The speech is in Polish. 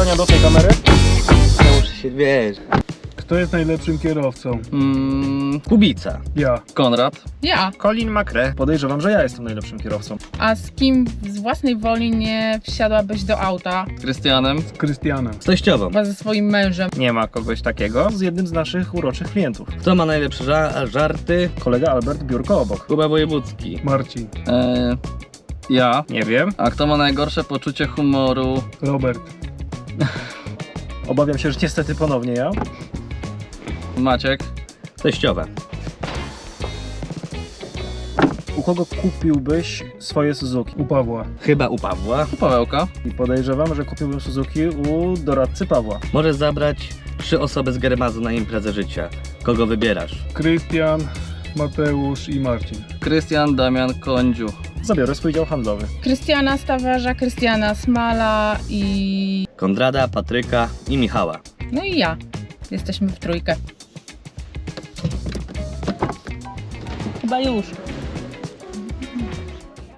pytania do tej kamery? Ja muszę się, wiesz... Kto jest najlepszym kierowcą? Kubica. Ja. Konrad. Ja. Colin McRae. Podejrzewam, że ja jestem najlepszym kierowcą. A z kim z własnej woli nie wsiadłabyś do auta? Krystianem. Z Krystianem. Z teściową. Chyba ze swoim mężem. Nie ma kogoś takiego z jednym z naszych uroczych klientów. Kto ma najlepsze żarty? Kolega Albert biurko obok. Kuba Wojewódzki. Marcin. Ja. Nie wiem. A kto ma najgorsze poczucie humoru? Robert. Obawiam się, że niestety ponownie ja. Maciek. Teściowa. U kogo kupiłbyś swoje Suzuki? U Pawła. Chyba u Pawła. Pawełka. I podejrzewam, że kupiłbym Suzuki u doradcy Pawła. Możesz zabrać 3 osoby z Germazu na imprezę życia. Kogo wybierasz? Krystian, Mateusz i Marcin. Krystian, Damian, Kądziu. Zabiorę swój dział handlowy. Krystiana Stawarza, Krystiana Smala i... Konrada, Patryka i Michała. No i ja. Jesteśmy w trójkę. Chyba już.